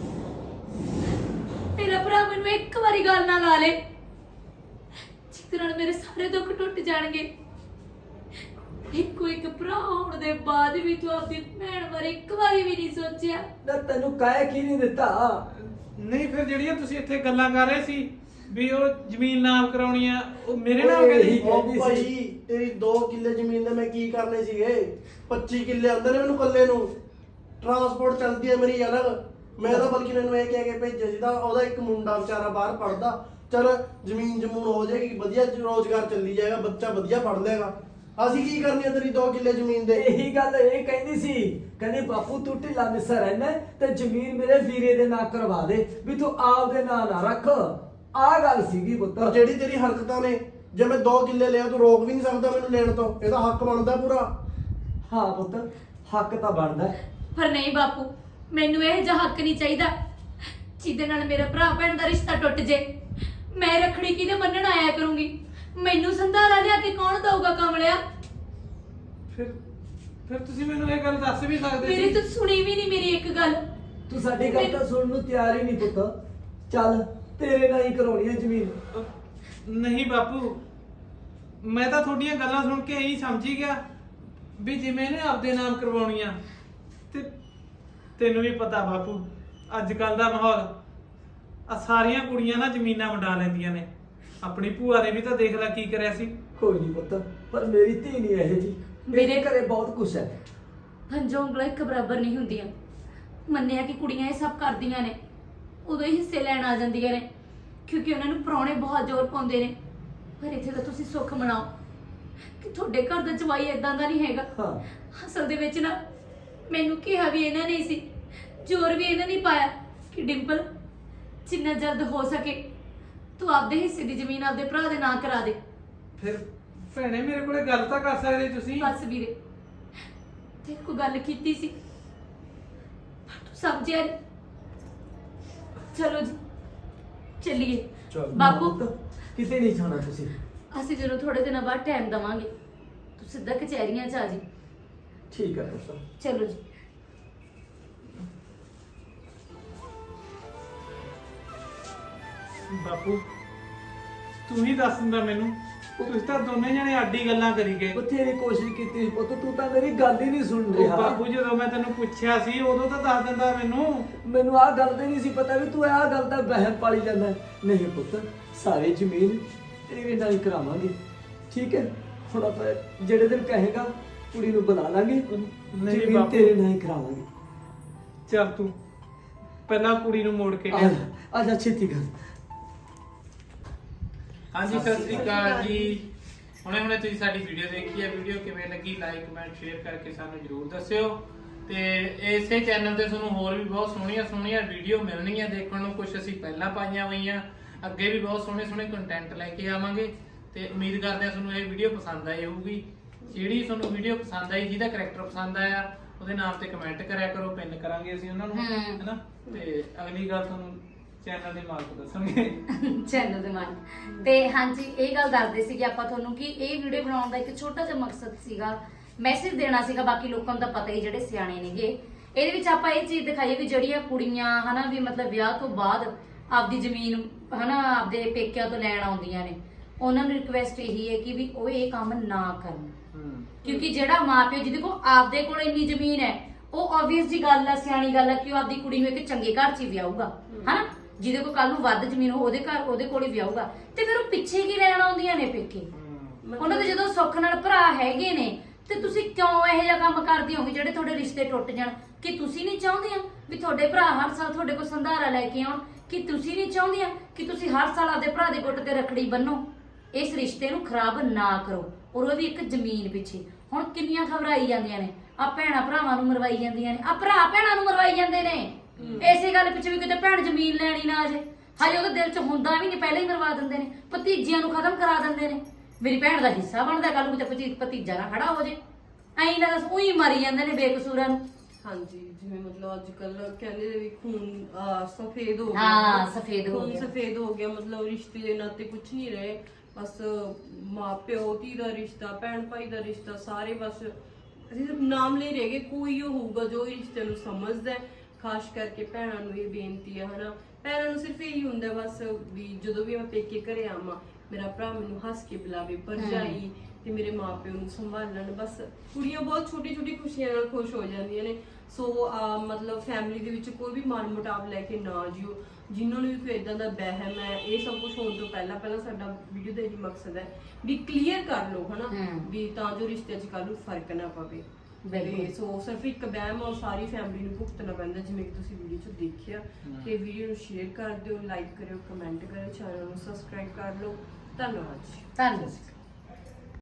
S5: ਭਰਾ ਮੈਨੂੰ ਇੱਕ ਵਾਰੀ ਗੱਲ ਨਾ ਲਾ ਲੇ, ਜਿਹਦੇ ਨਾਲ ਮੇਰੇ ਸਾਰੇ ਦੁੱਖ ਟੁੱਟ ਜਾਣਗੇ। ਇੱਕੋ ਇੱਕ ਭਰਾ ਹੋਣ ਦੇ ਬਾਅਦ ਵੀ ਤੂੰ ਆਪਣੀ ਭੈਣ ਬਾਰੇ ਇੱਕ ਵਾਰੀ ਵੀ ਨਹੀਂ ਸੋਚਿਆ।
S4: ਨਾ ਤੈਨੂੰ ਕਹਿ ਕੀ ਨਹੀਂ ਦਿੱਤਾ?
S1: ਨਹੀਂ ਫਿਰ ਜਿਹੜੀਆਂ ਤੁਸੀਂ ਇੱਥੇ ਗੱਲਾਂ ਕਰ ਰਹੇ ਸੀ ਵੀ ਉਹ ਜ਼ਮੀਨ ਨਾਮ ਕਰਾਉਣੀ ਆ, ਉਹ ਮੇਰੇ ਨਾਲ
S4: ਓਏ,
S1: ਕਹਿੰਦੇ
S4: ਇਹੀ
S1: ਸੀ।
S4: ਕਹਿੰਦੀ
S6: ਉਹ ਭਾਈ ਤੇਰੀ 2 ਕਿੱਲੇ ਜ਼ਮੀਨ ਦੇ ਮੈਂ ਕੀ ਕਰਨੇ ਸੀਗੇ? 25 ਕਿੱਲੇ ਆਉਂਦੇ ਨੇ ਮੈਨੂੰ ਕੱਲੇ ਨੂੰ। ਟਰਾਂਸਪੋਰਟ ਚੱਲਦੀ ਹੈ ਮੇਰੀ ਅਲੱਗ। ਮੈਂ ਤਾਂ ਬਲਕਿ ਇਹਨੂੰ ਇਹ ਕਹਿ ਕੇ ਭੇਜਿਆ ਸੀ ਤਾਂ ਉਹਦਾ ਇੱਕ ਮੁੰਡਾ ਵਿਚਾਰਾ ਬਾਹਰ ਪੜਦਾ, ਚਲ ਜ਼ਮੀਨ ਜਮੂਨ ਹੋ ਜਾਏਗੀ, ਵਧੀਆ ਰੋਜ਼ਗਾਰ ਚੱਲੀ ਜਾਏਗਾ, ਬੱਚਾ ਵਧੀਆ ਪੜ ਲੇਗਾ। ਅਸੀਂ ਕੀ ਕਰਨੀ ਆ ਤੇਰੀ 2 ਕਿੱਲੇ ਜ਼ਮੀਨ ਦੇ?
S4: ਇਹੀ ਗੱਲ ਇਹ ਕਹਿੰਦੀ ਸੀ, ਕਹਿੰਦੀ ਬਾਪੂ ਤੂੰ ਢਿੱਲਾ ਮਿੱਸਾ ਰਹਿਣਾ ਤੇ ਜ਼ਮੀਨ ਮੇਰੇ ਵੀਰੇ ਦੇ ਨਾਂ ਕਰਵਾ ਦੇ, ਵੀ ਤੂੰ ਆਪ ਦੇ ਨਾਂ ਨਾ ਰੱਖ। ਆਹ ਗੱਲ ਸੀਗੀ ਪੁੱਤ।
S6: ਪਰ ਜਿਹੜੀ ਤੇਰੀ ਹਰਕਤਾਂ ਨੇ, ਜੇ ਮੈਂ 2 ਕਿੱਲੇ ਲਿਆ ਤੂੰ ਰੋਕ ਵੀ ਨਹੀਂ ਸਕਦਾ ਮੈਨੂੰ ਲੈਣ ਤੋਂ। ਇਹਦਾ ਹੱਕ ਬਣਦਾ ਪੂਰਾ।
S4: ਹਾਂ ਪੁੱਤ, ਹੱਕ ਤਾਂ ਬਣਦਾ ਹੈ।
S5: ਪਰ ਨਹੀਂ ਬਾਪੂ, ਮੈਨੂੰ ਇਹ ਜਿਹਾ ਹੱਕ ਨਹੀਂ ਚਾਹੀਦਾ ਜਿਹਦੇ ਨਾਲ ਮੇਰਾ ਭਰਾ ਭੈਣ ਦਾ ਰਿਸ਼ਤਾ ਟੁੱਟ ਜੇ। ਮੈਂ ਰੱਖੜੀ ਕਿਹਦੇ ਬੰਨਣ ਆਇਆ ਕਰੂੰਗੀ? ਮੈਨੂੰ ਸੰਧਾਰਾ ਲਿਆ ਕੇ ਕੌਣ ਦਊਗਾ ਕਮਲਿਆ?
S1: ਫਿਰ ਤੁਸੀਂ ਮੈਨੂੰ ਇਹ ਗੱਲ ਦੱਸ ਵੀ ਸਕਦੇ
S5: ਮੇਰੀ ਤੂੰ ਸੁਣੀ ਵੀ ਨਹੀਂ ਮੇਰੀ ਇੱਕ ਗੱਲ।
S4: ਤੂੰ ਸਾਡੀ ਗੱਲ ਤਾਂ ਸੁਣਨ ਨੂੰ ਤਿਆਰ ਹੀ ਨਹੀਂ ਪੁੱਤ। ਚੱਲ ਤੇਰੇ ਨਾਲ ਹੀ ਕਰਾਉਣੀ ਹੈ ਜ਼ਮੀਨ।
S1: ਨਹੀਂ ਬਾਪੂ, ਮੈਂ ਤਾਂ ਤੁਹਾਡੀਆਂ ਗੱਲਾਂ ਸੁਣ ਕੇ ਇਹੀ ਸਮਝੀ ਗਿਆ ਵੀ ਜਿਵੇਂ ਇਹਨੇ ਆਪਦੇ ਨਾਮ ਕਰਵਾਉਣੀ ਆ ਤੇ ਤੈਨੂੰ ਵੀ ਪਤਾ ਬਾਪੂ ਅੱਜ ਕੱਲ ਦਾ ਮਾਹੌਲ ਆ ਸਾਰੀਆਂ ਕੁੜੀਆਂ ਨਾ ਜ਼ਮੀਨਾਂ ਵੰਡਾ ਲੈਂਦੀਆਂ ਨੇ। ਆਪਣੀ ਭੂਆ ਨੇ ਵੀ ਤਾਂ ਦੇਖ ਲੈ ਕੀ ਕਰਿਆ ਸੀ।
S4: ਕੋਈ ਨਹੀਂ ਪੁੱਤ, ਪਰ ਮੇਰੀ ਧੀ ਨਹੀਂ ਇਹ ਜੀ। ਮੇਰੇ ਘਰੇ ਬਹੁਤ ਕੁਛ ਹੈ।
S5: ਪੰਜੋਂ ਉਂਗਲਾਂ ਇੱਕ ਬਰਾਬਰ ਨਹੀਂ ਹੁੰਦੀਆਂ। ਮੰਨਿਆ ਕਿ ਕੁੜੀਆਂ ਇਹ ਸਭ ਕਰਦੀਆਂ ਨੇ, ਉਦੋਂ ਹੀ ਹਿੱਸੇ ਲੈਣ ਆ ਜਾਂਦੀਆਂ ਨੇ ਕਿਉਂਕਿ ਉਹਨਾਂ ਨੂੰ ਪ੍ਰਾਹੁਣੇ ਬਹੁਤ ਜ਼ੋਰ ਪਾਉਂਦੇ ਨੇ। ਪਰ ਇੱਥੇ ਤਾਂ ਤੁਸੀਂ ਸੁੱਖ ਮਨਾਓ ਕਿ ਤੁਹਾਡੇ ਘਰ ਦਾ ਜਵਾਈ ਏਦਾਂ ਦਾ ਨਹੀਂ ਹੈਗਾ।
S4: ਹਾਂ
S5: ਅਸਲ ਦੇ ਵਿੱਚ ਨਾ ਮੈਨੂੰ ਕਿਹਾ ਵੀ ਇਹਨਾਂ ਨੇ ਸੀ, ਜ਼ੋਰ ਵੀ ਇਹਨਾਂ ਨੇ ਪਾਇਆ ਕਿ ਡਿੰਪਲ ਜਿੰਨਾ ਜਲਦ ਹੋ ਸਕੇ ਤੂੰ ਆਪਦੇ ਹਿੱਸੇ ਦੀ ਜ਼ਮੀਨ ਆਪਦੇ ਭਰਾ ਦੇ ਨਾਂ ਕਰਾ ਦੇ।
S1: ਫਿਰ ਭੈਣੇ ਮੇਰੇ ਕੋਲੇ ਗੱਲ ਤਾਂ ਕਰ ਸਕਦੇ ਤੁਸੀਂ।
S5: ਬਸ ਵੀਰੇ, ਤੇ ਕੋਈ ਗੱਲ ਕੀਤੀ ਸੀ ਪਰ ਤੂੰ ਸਮਝਿਆ ਨਹੀਂ। ਚਲੋ ਜੀ ਚੱਲੀਏ। ਬਾਪੂ
S4: ਕਿਤੇ ਨਹੀਂ ਜਾਣਾ ਤੁਸੀਂ।
S5: ਅਸੀਂ ਜਦੋਂ ਥੋੜੇ ਦਿਨਾਂ ਬਾਅਦ ਟਾਈਮ ਦਵਾਂਗੇ ਤੂੰ ਸਿੱਧਾ ਕਚਹਿਰੀਆਂ ਚ ਆ ਜੀ।
S4: ਠੀਕ ਹੈ ਪੁੱਤ।
S5: ਚਲੋ ਜੀ।
S1: ਬਾਪੂ ਤੂੰ ਹੀ ਦੱਸ ਦਿੰਦਾ ਮੈਨੂੰ। ਤੁਸੀਂ ਤਾਂ ਦੋਨੇ ਜਣੇ ਆਡੀ ਗੱਲਾਂ ਕਰੀ ਗਏ।
S4: ਬਥੇਰੀ ਕੋਸ਼ਿਸ਼ ਕੀਤੀ ਪੁੱਤ, ਤੂੰ ਤਾਂ ਮੇਰੀ ਗੱਲ ਹੀ ਨਹੀਂ ਸੁਣ
S1: ਉਹ
S4: ਰਿਹਾ।
S1: ਬਾਪੂ ਜਦੋਂ ਮੈਂ ਤੈਨੂੰ ਪੁੱਛਿਆ ਸੀ ਉਦੋਂ ਤਾਂ ਦੱਸ ਦਿੰਦਾ ਮੈਨੂੰ।
S4: ਮੈਨੂੰ ਆਹ ਗੱਲ ਤੇ ਨਹੀਂ ਸੀ ਪਤਾ ਵੀ ਤੂੰ ਆਹ ਗੱਲ ਦਾ ਵਹਿਮ ਪਾਲੀ ਜਾਂਦਾ। ਨਹੀਂ ਪੁੱਤ, ਸਾਰੇ ਜ਼ਮੀਨ ਤੇਰੇ ਨਾਲ ਹੀ ਕਰਾਵਾਂਗੇ। ਠੀਕ ਹੈ, ਹੁਣ ਆਪਾਂ ਜਿਹੜੇ ਦਿਨ ਕਹੇਗਾ ਕੁੜੀ ਨੂੰ ਬੁਲਾ ਲਾਂਗੇ,
S1: ਨਹੀਂ
S4: ਜ਼ਮੀਨ
S1: ਬਾਪੂ।
S4: ਤੇਰੇ ਨਾਲ ਹੀ ਕਰਾਵਾਂਗੇ।
S1: ਚੱਲ ਤੂੰ ਪਹਿਲਾਂ ਕੁੜੀ ਨੂੰ ਮੋੜ ਕੇ
S4: ਆ
S1: ਲਿਆ।
S4: ਜਾ, ਆ ਜਾ ਛੇਤੀ ਕਰ।
S1: ਹਾਂਜੀ ਸਤਿ ਸ੍ਰੀ ਅਕਾਲ ਜੀ। ਹੁਣੇ ਤੁਸੀਂ ਸਾਡੀ ਵੀਡੀਓ ਦੇਖੀ ਹੈ। ਵੀਡੀਓ ਕਿਵੇਂ ਲੱਗੀ ਲਾਈਕ ਕਮੈਂਟ ਸ਼ੇਅਰ ਕਰਕੇ ਸਾਨੂੰ ਜਰੂਰ ਦੱਸਿਓ। ਤੇ ਇਸੇ ਚੈਨਲ ਤੇ ਤੁਹਾਨੂੰ ਹੋਰ ਵੀ ਬਹੁਤ ਸੋਹਣੀਆਂ ਵੀਡੀਓ ਮਿਲਣਗੀਆਂ ਦੇਖਣ ਨੂੰ। ਕੁਝ ਅਸੀਂ ਪਹਿਲਾਂ ਪਾਈਆਂ ਹੋਈਆਂ, ਅੱਗੇ ਵੀ ਬਹੁਤ ਸੋਹਣੇ ਕੰਟੈਂਟ ਲੈ ਕੇ ਆਵਾਂਗੇ। ਤੇ ਉਮੀਦ ਕਰਦੇ ਹਾਂ ਤੁਹਾਨੂੰ ਇਹ ਵੀਡੀਓ ਪਸੰਦ ਆਈ ਹੋਊਗੀ। ਜਿਹੜੀ ਤੁਹਾਨੂੰ ਵੀਡੀਓ ਪਸੰਦ ਆਈ, ਜਿਹਦਾ ਕਰੈਕਟਰ ਪਸੰਦ ਆਇਆ, ਉਹਦੇ ਨਾਮ ਤੇ ਕਮੈਂਟ ਕਰਿਆ ਕਰੋ, ਪਿੰਨ ਕਰਾਂਗੇ ਅਸੀਂ ਉਹਨਾਂ ਨੂੰ, ਹੈਨਾ। ਤੇ ਅਗਲੀ ਗੱਲ ਤੁਹਾਨੂੰ ਚੈਨਲ ਦੇ ਮਾਲਕ ਦੱਸਣਗੇ।
S3: ਚੈਨਲ ਦੇ ਮਾਲਕ। ਤੇ ਹਾਂਜੀ ਇਹ ਗੱਲ ਦੱਸਦੇ ਸੀ ਕਿ ਆਪਾਂ ਤੁਹਾਨੂੰ ਕਿ ਇਹ ਵੀਡੀਓ ਬਣਾਉਣ ਦਾ ਇੱਕ ਛੋਟਾ ਜਿਹਾ ਮਕਸਦ ਸੀਗਾ, ਮੈਸੇਜ ਦੇਣਾ ਸੀਗਾ। ਬਾਕੀ ਲੋਕਾਂ ਨੂੰ ਤਾਂ ਪਤਾ ਹੀ, ਜਿਹੜੇ ਸਿਆਣੇ ਨੇਗੇ। ਇਹਦੇ ਵਿੱਚ ਆਪਾਂ ਇਹ ਚੀਜ਼ ਦਿਖਾਈਏ ਵੀ ਜਿਹੜੀਆਂ ਕੁੜੀਆਂ ਹਨਾ ਵੀ ਮਤਲਬ ਵਿਆਹ ਤੋਂ ਬਾਅਦ ਆਪਦੀ ਜ਼ਮੀਨ ਹਨਾ ਆਪਦੇ ਪੇਕਿਆਂ ਤੋਂ ਲੈਣ ਆਉਂਦੀਆਂ ਨੇ, ਉਹਨਾਂ ਨੂੰ ਰਿਕੁਐਸਟ ਇਹੀ ਹੈ ਕਿ ਵੀ ਉਹ ਇਹ ਕੰਮ ਨਾ ਕਰਨ। ਕਿਉਂਕਿ ਜਿਹੜਾ ਮਾਪਿਓ ਜਿਹਦੇ ਕੋਲ ਆਪਦੇ ਕੋਲ ਇੰਨੀ ਜ਼ਮੀਨ ਹੈ, ਉਹ ਆਬਵੀਅਸ ਜੀ ਗੱਲ ਆ, ਸਿਆਣੀ ਗੱਲ ਆ ਕਿ ਉਹ ਆਪਦੀ ਕੁੜੀ ਨੂੰ ਇੱਕ ਚੰਗੇ ਘਰ 'ਚ ਹੀ ਵਿਆਹੂਗਾ, ਹਨਾ। ਜਿਹਦੇ ਕੋਲ ਕੱਲ ਨੂੰ ਵੱਧ ਜ਼ਮੀਨ ਹੋ ਉਹਦੇ ਕੋਲ ਹੀ ਵਿਆਹੂਗਾ। ਤੇ ਫਿਰ ਉਹ ਪਿੱਛੇ ਕੀ ਲੈਣ ਆਉਂਦੀਆਂ ਨੇ ਪੇਕੇ? ਉਹਨਾਂ ਦੇ ਜਦੋਂ ਸੁੱਖ ਨਾਲ ਭਰਾ ਹੈਗੇ ਨੇ, ਤੇ ਤੁਸੀਂ ਕਿਉਂ ਇਹੋ ਜਿਹਾ ਕੰਮ ਕਰਦੇ ਹੋਗੇ ਜਿਹੜੇ ਤੁਹਾਡੇ ਰਿਸ਼ਤੇ ਟੁੱਟ ਜਾਣ? ਕਿ ਤੁਸੀਂ ਨਹੀਂ ਚਾਹੁੰਦੀਆਂ ਵੀ ਤੁਹਾਡੇ ਭਰਾ ਹਰ ਸਾਲ ਤੁਹਾਡੇ ਕੋਲ ਸੰਧਾਰਾ ਲੈ ਕੇ ਆਉਣ? ਕਿ ਤੁਸੀਂ ਨਹੀਂ ਚਾਹੁੰਦੀਆਂ ਕਿ ਤੁਸੀਂ ਹਰ ਸਾਲ ਆਪਦੇ ਭਰਾ ਦੇ ਗੁੱਟ ਤੇ ਰੱਖੜੀ ਬੰਨੋ? ਇਸ ਰਿਸ਼ਤੇ ਨੂੰ ਖਰਾਬ ਨਾ ਕਰੋ, ਔਰ ਉਹ ਵੀ ਇੱਕ ਜ਼ਮੀਨ ਪਿੱਛੇ। ਹੁਣ ਕਿੰਨੀਆਂ ਖਬਰਾਂ ਆਈ ਜਾਂਦੀਆਂ ਨੇ, ਆ ਭੈਣਾਂ ਭਰਾਵਾਂ ਨੂੰ ਮਰਵਾਈ ਜਾਂਦੀਆਂ ਨੇ, ਆ ਭਰਾ ਭੈਣਾਂ ਨੂੰ ਮਰਵਾਈ ਜਾਂਦੇ ਨੇ। ਇਸੇ ਗੱਲ ਪਿੱਛੇ ਵੀ ਕਿਤੇ ਭੈਣ ਜ਼ਮੀਨ ਲੈਣੀ ਨਾ ਆ ਜੇ, ਹਜੇ ਉਹਦੇ ਦਿਲ 'ਚ ਹੁੰਦਾ ਵੀ ਨਹੀਂ, ਪਹਿਲਾਂ ਹੀ ਮਰਵਾ ਦਿੰਦੇ ਨੇ। ਭਤੀਜਿਆਂ ਨੂੰ ਖਤਮ ਕਰਾ ਦਿੰਦੇ ਨੇ। ਮੇਰੀ ਭੈਣ ਦਾ ਹਿੱਸਾ ਬਣਦਾ, ਕੱਲ ਨੂੰ ਤੇ ਭਤੀਜਾ ਨਾ ਖੜਾ ਹੋ ਜੇ। ਐਂ ਨਾ ਦੱਸ ਉਹੀ ਮਾਰੀ ਜਾਂਦੇ ਨੇ ਬੇਕਸੂਰਾਂ ਨੂੰ।
S2: ਹਾਂਜੀ, ਜਿਵੇਂ ਮਤਲਬ ਅੱਜ ਕੱਲ ਕਹਿੰਦੇ ਨੇ ਵੀ ਖੂਨ ਸਫੇਦ ਹੋ ਗਿਆ।
S3: ਹਾਂ, ਸਫੇਦ ਹੋ
S2: ਖੂਨ
S3: ਗਿਆ।
S2: ਸਫੇਦ ਹੋ ਗਿਆ, ਮਤਲਬ ਰਿਸ਼ਤੇ ਦੇ ਨਾਤੇ ਕੁਝ ਨਹੀਂ ਰਹੇ। ਬਸ ਮਾਂ ਪਿਓ ਧੀ ਦਾ ਰਿਸ਼ਤਾ, ਭੈਣ ਭਾਈ ਦਾ ਰਿਸ਼ਤਾ, ਸਾਰੇ ਬਸ ਸਿਰਫ ਨਾਮ ਲਈ ਰਹਿ ਗਏ। ਕੋਈ ਉਹ ਹੋਊਗਾ ਜੋ ਇਸ ਰਿਸ਼ਤੇ ਨੂੰ ਸਮਝਦਾ ਹੈ। ਖਾਸ ਕਰਕੇ ਭੈਣਾਂ ਨੂੰ ਇਹ ਬੇਨਤੀ ਹੈ, ਹਨਾ। ਭੈਣਾਂ ਨੂੰ ਸਿਰਫ ਇਹੀ ਹੁੰਦਾ ਬਸ ਵੀ ਜਦੋਂ ਵੀ ਮੈਂ ਪੇਕੇ ਘਰੇ ਆਵਾਂ, ਮੇਰਾ ਭਰਾ ਮੈਨੂੰ ਹੱਸ ਕੇ ਬੁਲਾਵੇ, ਭਰਜਾਈ ਤੇ ਮੇਰੇ ਮਾਪਿਓ ਨੂੰ ਸੰਭਾਲਣ। ਬਸ ਕੁੜੀਆਂ ਬਹੁਤ ਛੋਟੀ ਛੋਟੀ ਖੁਸ਼ੀਆਂ ਨਾਲ ਖੁਸ਼ ਹੋ ਜਾਂਦੀਆਂ ਨੇ। ਸੋ ਮਤਲਬ ਫੈਮਿਲੀ ਦੇ ਵਿੱਚ ਕੋਈ ਵੀ ਮਨ ਮੁਟਾਵ ਲੈ ਕੇ ਨਾ ਜਿਓ। ਜਿਨ੍ਹਾਂ ਨੂੰ ਵੀ ਕੋਈ ਇਦਾਂ ਦਾ ਵਹਿਮ ਹੈ, ਇਹ ਸਭ ਕੁਝ ਹੋਣ ਤੋਂ ਪਹਿਲਾਂ ਸਾਡਾ ਵੀਡੀਓ ਦਾ ਇਹ ਮਕਸਦ ਹੈ ਵੀ ਕਲੀਅਰ ਕਰ ਲਓ, ਹਨਾ, ਵੀ ਤਾਂ ਜੋ ਰਿਸ਼ਤੇ 'ਚ ਕੱਲ੍ਹ ਨੂੰ ਫਰਕ ਨਾ ਪਵੇ। ਸੋ ਸਿਰਫ ਇੱਕ ਵਹਿਮ ਆ, ਸਾਰੀ ਫੈਮਿਲੀ ਨੂੰ ਭੁਗਤਣਾ ਪੈਂਦਾ, ਜਿਵੇਂ ਕਿ ਤੁਸੀਂ ਵੀਡੀਓ 'ਚ ਦੇਖਿਆ। ਤੇ ਵੀਡੀਓ ਨੂੰ ਸ਼ੇਅਰ ਕਰ ਦਿਓ, ਲਾਈਕ ਕਰਿਓ, ਕਮੈਂਟ ਕਰਿਓ, ਚੈਨਲ ਨੂੰ ਸਬਸਕ੍ਰਾਈਬ ਕਰ ਲਓ। ਧੰਨਵਾਦ ਜੀ।
S3: ਧੰਨਵਾਦ।